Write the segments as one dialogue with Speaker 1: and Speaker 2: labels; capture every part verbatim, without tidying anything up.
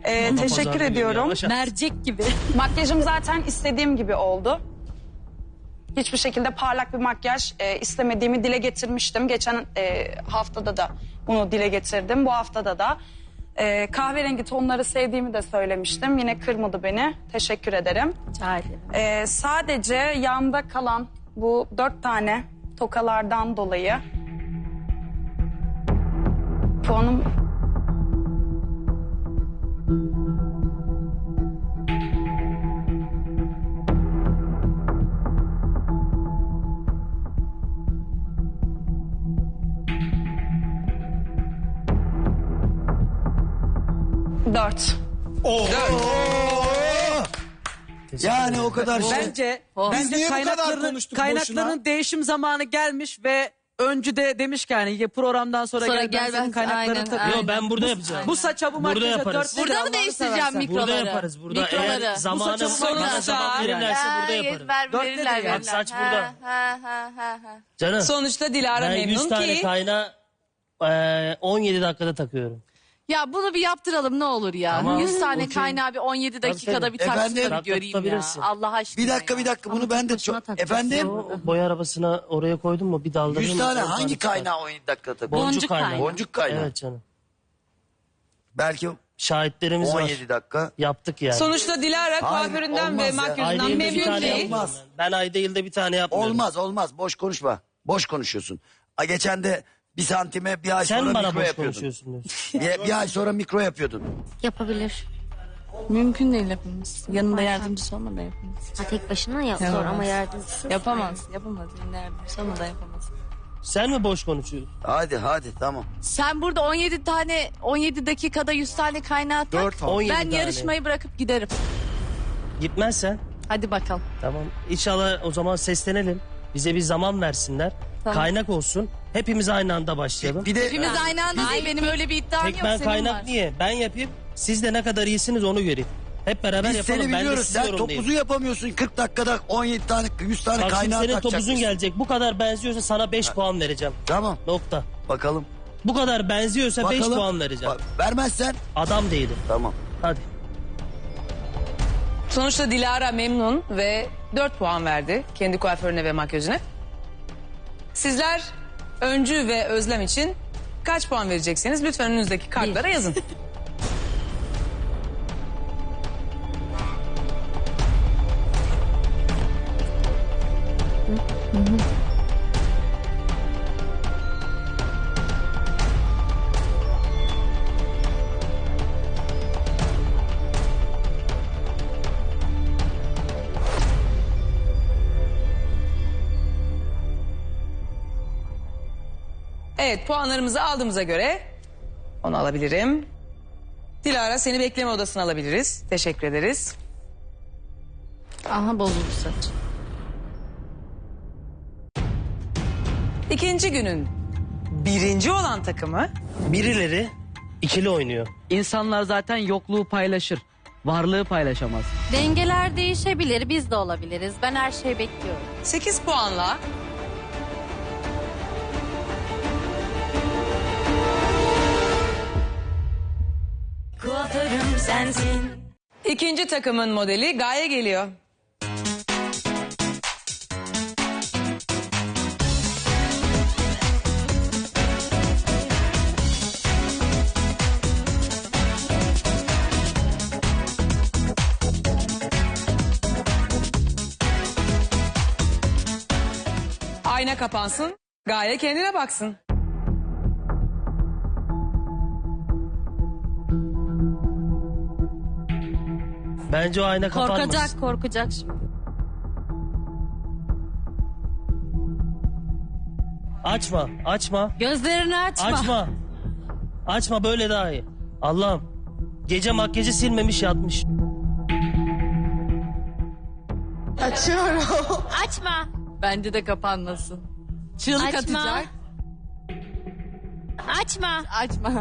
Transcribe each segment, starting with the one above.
Speaker 1: Ee,
Speaker 2: Ama
Speaker 1: teşekkür
Speaker 2: pazar günü
Speaker 1: ediyorum.
Speaker 2: yavaş-
Speaker 3: Mercek gibi.
Speaker 1: Makyajım zaten istediğim gibi oldu. Hiçbir şekilde parlak bir makyaj e, istemediğimi dile getirmiştim. Geçen e, haftada da bunu dile getirdim. Bu haftada da e, kahverengi tonları sevdiğimi de söylemiştim. Yine kırmadı beni. Teşekkür ederim.
Speaker 3: Rica ederim.
Speaker 1: E, sadece yanda kalan bu dört tane tokalardan dolayı puanım... Dört.
Speaker 4: Yani o kadar şey.
Speaker 5: Bence,
Speaker 4: Biz
Speaker 5: bence
Speaker 4: niye bu kadar
Speaker 5: kaynakların,
Speaker 4: konuştuk
Speaker 5: kaynakların
Speaker 4: boşuna?
Speaker 5: değişim zamanı gelmiş ve öncü de demiş ki yani programdan sonra,
Speaker 3: Sonra
Speaker 5: gel, ben
Speaker 3: gel,
Speaker 5: senin
Speaker 3: ben-
Speaker 5: kaynaklarını
Speaker 3: aynen,
Speaker 5: takayım.
Speaker 3: aynen.
Speaker 2: Yo ben burada yapacağım.
Speaker 5: Bu saça bu
Speaker 2: Burada
Speaker 5: makyaja
Speaker 2: yaparız.
Speaker 5: dört
Speaker 3: Burada
Speaker 5: lira
Speaker 3: mı
Speaker 5: Allah'ını
Speaker 3: değiştireceğim
Speaker 5: seversen.
Speaker 3: mikroları?
Speaker 2: Burada yaparız. Burada
Speaker 3: Mikroları.
Speaker 2: eğer zamanı
Speaker 5: Bu saçın
Speaker 2: bana
Speaker 5: sonuçta-
Speaker 2: zaman verirlerse burada yaparım.
Speaker 3: Ver,
Speaker 5: Dört
Speaker 3: verirler,
Speaker 5: nedir ya?
Speaker 3: verirler.
Speaker 2: Bak saç burada.
Speaker 3: Ha, ha, ha, ha.
Speaker 2: Canım
Speaker 6: Sonuçta Dilara
Speaker 2: ben yüz
Speaker 6: memnun
Speaker 2: tane
Speaker 6: ki.
Speaker 2: kaynağı eee, on yedi dakikada takıyorum.
Speaker 3: Ya bunu bir yaptıralım ne olur ya.
Speaker 2: Tamam,
Speaker 3: yüz tane
Speaker 2: okey.
Speaker 3: kaynağı bir on yedi dakikada
Speaker 2: tabii.
Speaker 3: bir taksın
Speaker 4: Efendim?
Speaker 3: da bir
Speaker 2: Dakika
Speaker 3: göreyim ya.
Speaker 2: tutabilirsin.
Speaker 3: Allah aşkına
Speaker 4: Bir dakika
Speaker 3: ya.
Speaker 4: bir dakika bunu ben de
Speaker 3: başına
Speaker 4: çok...
Speaker 3: takacaksın.
Speaker 4: Efendim?
Speaker 2: O boya arabasına oraya koydun mu bir dalda.
Speaker 4: yüz tane hangi kaynağı on yedi dakikada takıyor?
Speaker 2: Boncuk,
Speaker 3: Boncuk
Speaker 2: kaynağı.
Speaker 3: kaynağı.
Speaker 4: Boncuk kaynağı.
Speaker 2: Evet canım.
Speaker 4: Belki
Speaker 2: Şahitlerimiz
Speaker 4: on
Speaker 2: var.
Speaker 4: yedi dakika.
Speaker 2: Yaptık yani.
Speaker 6: Sonuçta Dilara kuaföründen
Speaker 4: olmaz
Speaker 6: ve
Speaker 4: ya.
Speaker 6: makyajından
Speaker 2: Ayda yılda bir
Speaker 6: memnun
Speaker 2: tane
Speaker 6: değil.
Speaker 2: yapmıyorum
Speaker 4: Olmaz.
Speaker 2: ben. Ben ayda yılda bir tane yapmıyorum.
Speaker 4: Olmaz olmaz boş konuşma. Boş konuşuyorsun. A, geçen de bir santime bir ay
Speaker 2: Sen
Speaker 4: sonra
Speaker 2: bana
Speaker 4: mikro
Speaker 2: boş
Speaker 4: yapıyordun.
Speaker 2: konuşuyorsun diyorsun.
Speaker 4: Bir, bir ay sonra mikro yapıyordun.
Speaker 7: Yapabilir.
Speaker 3: Mümkün değil yapamaz. Yanında yardımcısı olmadan yapamaz.
Speaker 7: Ha, tek başına yap zor ama yardımcısı.
Speaker 3: Yapamaz. Yapamaz. Yanında yardımcısı olmadan yapamaz.
Speaker 2: Sen mi boş konuşuyorsun?
Speaker 4: Hadi hadi tamam.
Speaker 3: Sen burada on yedi tane on yedi dakikada yüz tane kaynağı tak.
Speaker 4: Dört
Speaker 2: on yedi
Speaker 3: Ben
Speaker 2: tane.
Speaker 3: yarışmayı bırakıp giderim.
Speaker 2: Gitmezsen
Speaker 3: Hadi bakalım.
Speaker 2: tamam. İnşallah o zaman seslenelim. Bize bir zaman versinler.
Speaker 3: Tamam.
Speaker 2: Kaynak olsun. Hepimiz aynı anda başlayalım.
Speaker 4: Bir de
Speaker 3: Hepimiz aynı anda değil. Benim öyle bir iddiam
Speaker 2: Tek
Speaker 3: yok.
Speaker 2: ben
Speaker 3: Senin
Speaker 2: kaynak
Speaker 3: var.
Speaker 2: niye? Ben yapayım. Siz de ne kadar iyisiniz onu göreyim. Hep beraber
Speaker 4: biz
Speaker 2: yapalım.
Speaker 4: seni
Speaker 2: Ben de
Speaker 4: biliyoruz.
Speaker 2: sizi
Speaker 4: Sen
Speaker 2: yorumlayayım.
Speaker 4: topuzu yapamıyorsun. kırk dakikada on yedi tane yüz tane
Speaker 2: Bak şimdi
Speaker 4: kaynağı
Speaker 2: senin
Speaker 4: takacak.
Speaker 2: topuzun
Speaker 4: mısın?
Speaker 2: gelecek. Bu kadar benziyorsa sana beş puan vereceğim.
Speaker 4: Tamam
Speaker 2: Nokta.
Speaker 4: bakalım.
Speaker 2: Bu kadar benziyorsa beş
Speaker 4: Bakalım.
Speaker 2: puan vereceğim.
Speaker 4: Ba- Vermezsen
Speaker 2: Adam değilim.
Speaker 4: tamam.
Speaker 2: Hadi.
Speaker 6: Sonuçta Dilara memnun ve dört puan verdi kendi kuaförüne ve makyajına. Sizler Öncü ve Özlem için kaç puan vereceksiniz? Lütfen önünüzdeki kartlara yazın. Evet, puanlarımızı aldığımıza göre onu alabilirim. Dilara seni bekleme odasına alabiliriz. Teşekkür ederiz.
Speaker 3: Aha bozuldu saç.
Speaker 6: İkinci günün birinci olan takımı
Speaker 2: Birileri ikili oynuyor.
Speaker 5: İnsanlar zaten yokluğu paylaşır. Varlığı paylaşamaz.
Speaker 7: Dengeler değişebilir, biz de olabiliriz. Ben her şeyi bekliyorum.
Speaker 6: sekiz puanla
Speaker 8: Kuaförüm sensin.
Speaker 6: ikinci takımın modeli Gaye geliyor. Ayna kapansın, Gaye kendine baksın.
Speaker 2: Bence o ayna kapanmasın.
Speaker 7: Korkacak, korkacak şimdi.
Speaker 2: Açma, açma,
Speaker 7: Gözlerini açma.
Speaker 2: açma. Açma böyle daha iyi. Allah'ım. Gece makyajı silmemiş yatmış.
Speaker 7: Açma.
Speaker 3: Bence de kapanmasın. Çığlık
Speaker 7: Açma.
Speaker 3: atacak.
Speaker 7: Açma.
Speaker 3: Açma.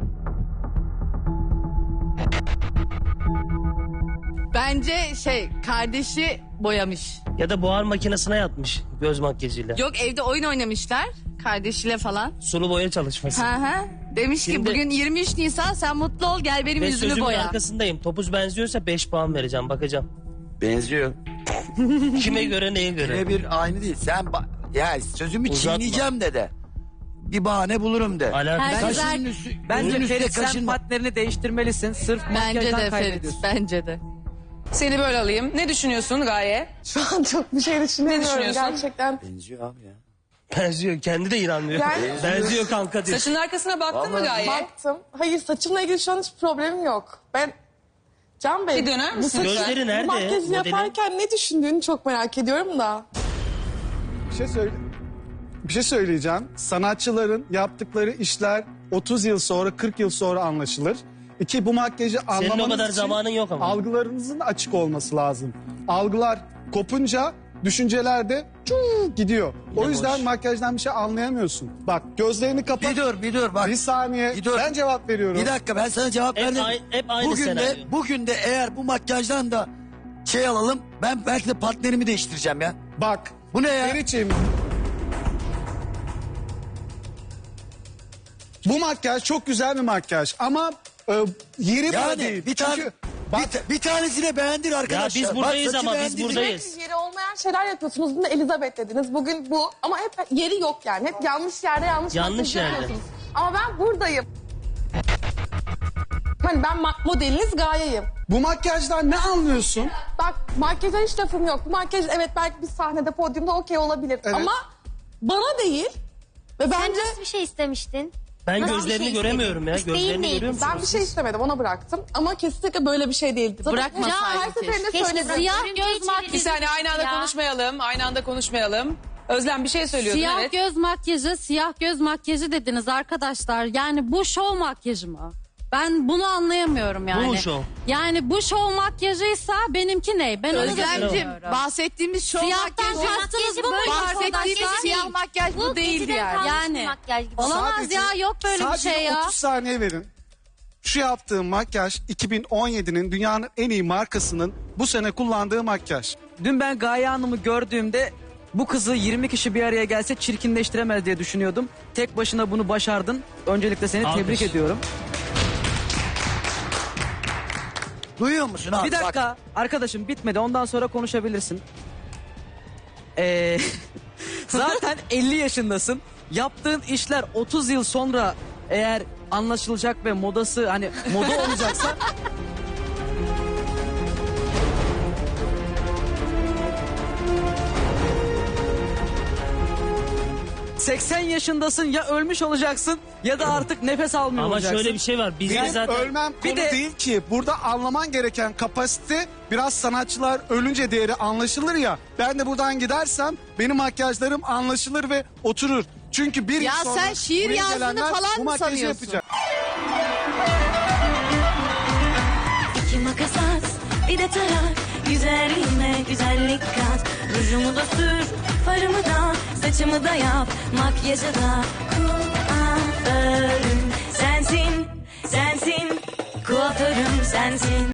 Speaker 3: Bence şey kardeşi boyamış.
Speaker 2: Ya da buhar makinesine yatmış göz makyajıyla.
Speaker 3: Yok evde oyun oynamışlar kardeşiyle falan.
Speaker 2: Sulu boya çalışması.
Speaker 3: Hı hı. Demiş ki
Speaker 2: Şimdi-
Speaker 3: bugün yirmi üç Nisan, sen mutlu ol, gel benim
Speaker 2: Ve
Speaker 3: yüzümü
Speaker 2: sözümün
Speaker 3: boya.
Speaker 2: arkasındayım. Topuz benziyorsa beş puan vereceğim, bakacağım.
Speaker 4: Benziyor.
Speaker 2: Kime göre, neye göre?
Speaker 4: Birebir aynı değil. Sen ba- ya sözümü
Speaker 2: Uzatma.
Speaker 4: çiğneyeceğim de de. Bir bahane bulurum de.
Speaker 2: Alakası-
Speaker 7: Herkes
Speaker 4: Kaşının
Speaker 7: er-
Speaker 4: üstü,
Speaker 5: Bence
Speaker 4: gözün üstüne
Speaker 5: Ferit sen
Speaker 4: kaşınma.
Speaker 5: partnerini değiştirmelisin. Sırf
Speaker 3: Bence
Speaker 5: makyajdan
Speaker 3: de Ferit,
Speaker 5: kaybediyorsun.
Speaker 3: bence de.
Speaker 6: Seni böyle alayım. Ne düşünüyorsun Gaye?
Speaker 8: Şu an çok bir şey düşünemiyorum
Speaker 6: düşünüyorsun?
Speaker 8: gerçekten.
Speaker 4: Benziyor abi ya.
Speaker 2: Benziyor, kendi de inanmıyor.
Speaker 8: Ben-
Speaker 2: Benziyor kanka diyor.
Speaker 6: Saçının arkasına baktın mı
Speaker 4: Vallahi-
Speaker 6: Gaye?
Speaker 8: Baktım. Hayır, saçımla ilgili şu an hiç problemim yok. Ben Can Bey,
Speaker 6: Bir döner
Speaker 8: bu
Speaker 6: misin
Speaker 8: saçı-
Speaker 6: lütfen?
Speaker 2: Gözleri nerede?
Speaker 8: Bu makyajı
Speaker 2: Modeli?
Speaker 8: yaparken ne düşündüğünü çok merak ediyorum da.
Speaker 9: Bir şey söyle. Bir şey söyleyeceğim. Sanatçıların yaptıkları işler otuz yıl sonra, kırk yıl sonra anlaşılır. İki, bu makyajı anlamanız
Speaker 2: o kadar
Speaker 9: için
Speaker 2: zamanın yok ama.
Speaker 9: algılarınızın açık olması lazım. Algılar kopunca düşünceler de çuu gidiyor. O yüzden
Speaker 2: boş.
Speaker 9: makyajdan bir şey anlayamıyorsun. Bak gözlerini kapat.
Speaker 4: Bir dur bir dur bak.
Speaker 9: Bir saniye.
Speaker 4: Bir dur.
Speaker 9: Ben cevap veriyorum.
Speaker 4: Bir dakika ben sana cevap
Speaker 2: Hep
Speaker 4: verdim.
Speaker 2: ay- hep aynı
Speaker 4: bugün
Speaker 2: senaryo.
Speaker 4: de bugün de eğer bu makyajdan da şey alalım, ben belki de partnerimi değiştireceğim ya.
Speaker 9: Bak.
Speaker 4: Bu ne ya?
Speaker 9: Ferit'ciğim. Bu makyaj çok güzel bir makyaj ama e, yeri bu
Speaker 4: Yani
Speaker 9: değil.
Speaker 4: bir tane
Speaker 9: Çünkü
Speaker 4: bir,
Speaker 9: bak,
Speaker 4: ta- bir tanesine beğendir arkadaşlar.
Speaker 2: biz buradayız
Speaker 4: Bak, saçı
Speaker 2: ama biz
Speaker 4: beğendirdik.
Speaker 2: buradayız.
Speaker 8: Sürekli yeri olmayan şeyler yapıyorsunuz. Bunu Elizabeth dediniz. Bugün bu. Ama hep yeri yok yani. Hep yanlış yerde yanlış
Speaker 2: Yanlış
Speaker 8: makyaj
Speaker 2: yerde.
Speaker 8: yapıyorsunuz. Ama ben buradayım. Hani ben ma- modeliniz Gaye'yim.
Speaker 9: bu makyajdan ne anlıyorsun?
Speaker 8: Bak, makyaja hiç lafım yok. Bu makyaj evet belki bir sahnede, podyumda okey olabilir.
Speaker 9: Evet.
Speaker 8: Ama bana değil. Ve
Speaker 10: Sen
Speaker 8: bence
Speaker 10: nasıl bir şey istemiştin?
Speaker 2: Ben
Speaker 10: Nasıl bir
Speaker 2: gözlerini
Speaker 10: şey
Speaker 2: göremiyorum ya.
Speaker 10: istedin?
Speaker 2: Gözlerini
Speaker 10: İsteğin
Speaker 2: görüyor
Speaker 10: neydi?
Speaker 2: musun?
Speaker 8: ben bir şey istemedim, ona bıraktım. Ama kesinlikle böyle bir şey değildi. Zaten
Speaker 3: Bırakmasaydın
Speaker 8: her seferinde
Speaker 3: keşke.
Speaker 8: söyledim.
Speaker 3: Siyah
Speaker 10: Örümceği
Speaker 3: göz makyajı.
Speaker 10: çevirdin.
Speaker 6: Bir saniye aynı anda
Speaker 10: Ya.
Speaker 6: konuşmayalım. Aynı anda konuşmayalım. Özlem bir şey söylüyordun,
Speaker 7: Siyah
Speaker 6: evet.
Speaker 7: göz makyajı, siyah göz makyajı dediniz arkadaşlar. Yani bu şov makyajı mı? Ben bunu anlayamıyorum yani.
Speaker 2: Bu mu şov?
Speaker 7: Yani bu şov makyajıysa benimki ne? Ben onu da
Speaker 3: Özlemciğim,
Speaker 7: bilmiyorum.
Speaker 3: bahsettiğimiz şov
Speaker 7: Siyahtan
Speaker 3: makyajı.
Speaker 7: kastınız bu mu?
Speaker 3: Bahsettiğimiz
Speaker 7: Şovdan
Speaker 3: siyah makyaj bu, değildi
Speaker 10: geceden
Speaker 3: yani.
Speaker 10: kalmış
Speaker 7: Yani.
Speaker 10: bir makyaj gibi.
Speaker 7: Olamaz
Speaker 9: Sadece-
Speaker 7: ya, yok böyle bir
Speaker 9: sadece
Speaker 7: şey ya.
Speaker 9: otuz saniye verin. Şu yaptığım makyaj iki bin on yedinin dünyanın en iyi markasının bu sene kullandığı makyaj.
Speaker 5: Dün ben Gaye Hanım'ı gördüğümde bu kızı yirmi kişi bir araya gelse çirkinleştiremez diye düşünüyordum. Tek başına bunu başardın. Öncelikle seni
Speaker 2: Alkış.
Speaker 5: tebrik ediyorum.
Speaker 4: Duyuyor musun abi?
Speaker 5: Bir dakika arkadaşım, bitmedi, ondan sonra konuşabilirsin. Ee, zaten elli yaşındasın. Yaptığın işler otuz yıl sonra eğer anlaşılacak ve modası hani moda olacaksa seksen yaşındasın, ya ölmüş olacaksın ya da artık nefes almıyor
Speaker 2: Ama
Speaker 5: olacaksın.
Speaker 2: şöyle bir şey var. Bizde
Speaker 9: Benim
Speaker 2: zaten...
Speaker 9: ölmem
Speaker 5: Bir
Speaker 9: konu
Speaker 5: de-
Speaker 9: değil ki. Burada anlaman gereken kapasite, biraz sanatçılar ölünce değeri anlaşılır ya. Ben de buradan gidersem benim makyajlarım anlaşılır ve oturur. Çünkü bir
Speaker 3: Ya
Speaker 9: yıl sonra
Speaker 3: sen şiir
Speaker 9: buraya
Speaker 3: yazdığını
Speaker 9: gelenler
Speaker 3: falan
Speaker 9: bu
Speaker 3: mı
Speaker 9: makyajı
Speaker 3: sanıyorsun?
Speaker 9: yapacak.
Speaker 11: İki makas at, bir de tarak. Güzelliğime güzellik kat. Rujumu da sür, farımı da, saçımı da yap. Makyajı da kuaförüm sensin, sensin. Kuaförüm sensin.